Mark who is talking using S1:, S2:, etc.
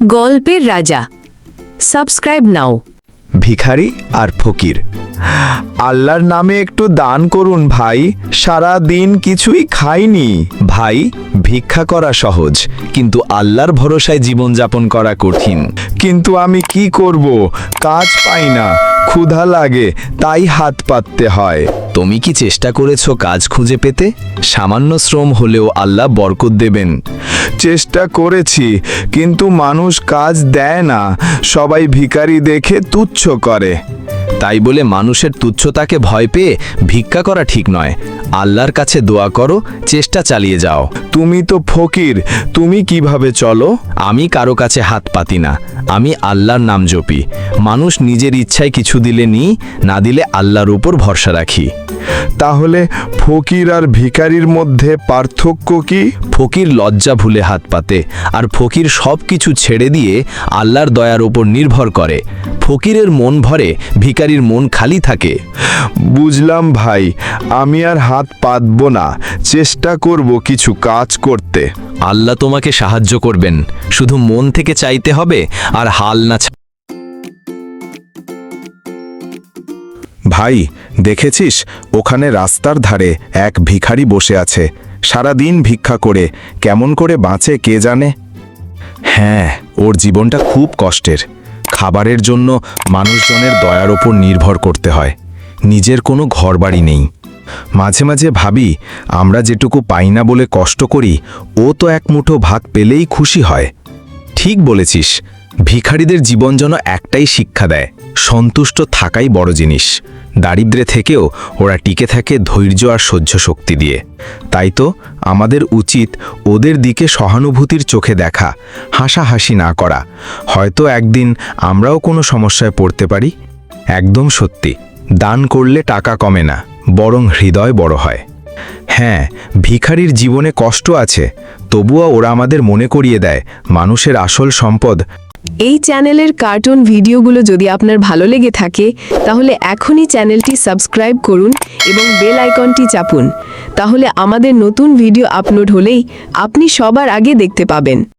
S1: গল্পের রাজা। সাবস্ক্রাইব নাও।
S2: ভিখারি আর ফকির। আল্লাহর নামে একটু দান করুন ভাই, সারা দিন কিছুই খাইনি। ভাই, ভিক্ষা করা সহজ, কিন্তু আল্লাহর ভরসায় জীবনযাপন করা কঠিন। কিন্তু আমি কি করব, কাজ পাই না, ক্ষুধা লাগে, তাই হাত পাততে হয়। তুমি কি চেষ্টা করেছো কাজ খুঁজে পেতে? সামান্য শ্রম হলেও আল্লাহ বরকত দেবেন। চেষ্টা করেছি, কিন্তু মানুষ কাজ দেয় না, সবাই ভিখারি দেখে তুচ্ছ করে। তাই বলে মানুষের তুচ্ছতাকে ভয় পেয়ে ভিক্ষা করা ঠিক নয়। আল্লাহর কাছে দোয়া করো, চেষ্টা চালিয়ে যাও। তুমি তো ফকির, তুমি কিভাবে চলো? আমি কারো কাছে হাত পাতি না, আমি আল্লাহর নাম জপি। মানুষ নিজের ইচ্ছায় কিছু দিলে নিই, না দিলে আল্লাহর উপর ভরসা রাখি। তাহলে ফকির আর ভিখারির মধ্যে পার্থক্য কি? ফকির লজ্জা ভুলে হাত পাতে, আর ফকির সব কিছু ছেড়ে দিয়ে আল্লাহর দয়ার উপর নির্ভর করে। ফকিরের মন ভরে, ভিখারির মন খালি থাকে। বুঝলাম ভাই, আমি আর হাত পাতব না, চেষ্টা করব কিছু কাজ করতে। আল্লাহ তোমাকে সাহায্য করবেন, শুধু মন থেকে চাইতে হবে আর হাল না। ভাই, দেখেছিস ওখানে রাস্তার ধারে এক ভিখারি বসে আছে, সারা দিন ভিক্ষা করে, কেমন করে বাঁচে কে জানে। হ্যাঁ, ওর জীবনটা খুব কষ্টের। খাবারের জন্য মানুষজনের দয়ার ওপর নির্ভর করতে হয়, নিজের কোনো ঘরবাড়ি নেই। মাঝে মাঝে ভাবি, আমরা যেটুকু পাই না বলে কষ্ট করি, ও তো এক মুঠো ভাত পেলেই খুশি হয়। ঠিক বলেছিস, ভিখারিদের জীবন যেন একটাই শিক্ষা দেয়, সন্তুষ্ট থাকাই বড় জিনিস। দারিদ্র্যে থেকেও ওরা টিকে থাকে ধৈর্য আর সহ্য শক্তি দিয়ে। তাই তো আমাদের উচিত ওদের দিকে সহানুভূতির চোখে দেখা, হাসাহাসি না করা। হয়তো একদিন আমরাও কোনো সমস্যায় পড়তে পারি। একদম সত্যি, দান করলে টাকা কমে না, বরং হৃদয় বড় হয়। হ্যাঁ, ভিখারির জীবনে কষ্ট আছে, তবুও ওরা আমাদের মনে করিয়ে দেয় মানুষের আসল সম্পদ।
S1: এই চ্যানেলের কার্টুন ভিডিওগুলো যদি আপনার ভালো লেগে থাকে, তাহলে এখনই চ্যানেলটি সাবস্ক্রাইব করুন এবং বেল আইকনটি চাপুন। তাহলে আমাদের নতুন ভিডিও আপলোড হলেই আপনি সবার আগে দেখতে পাবেন।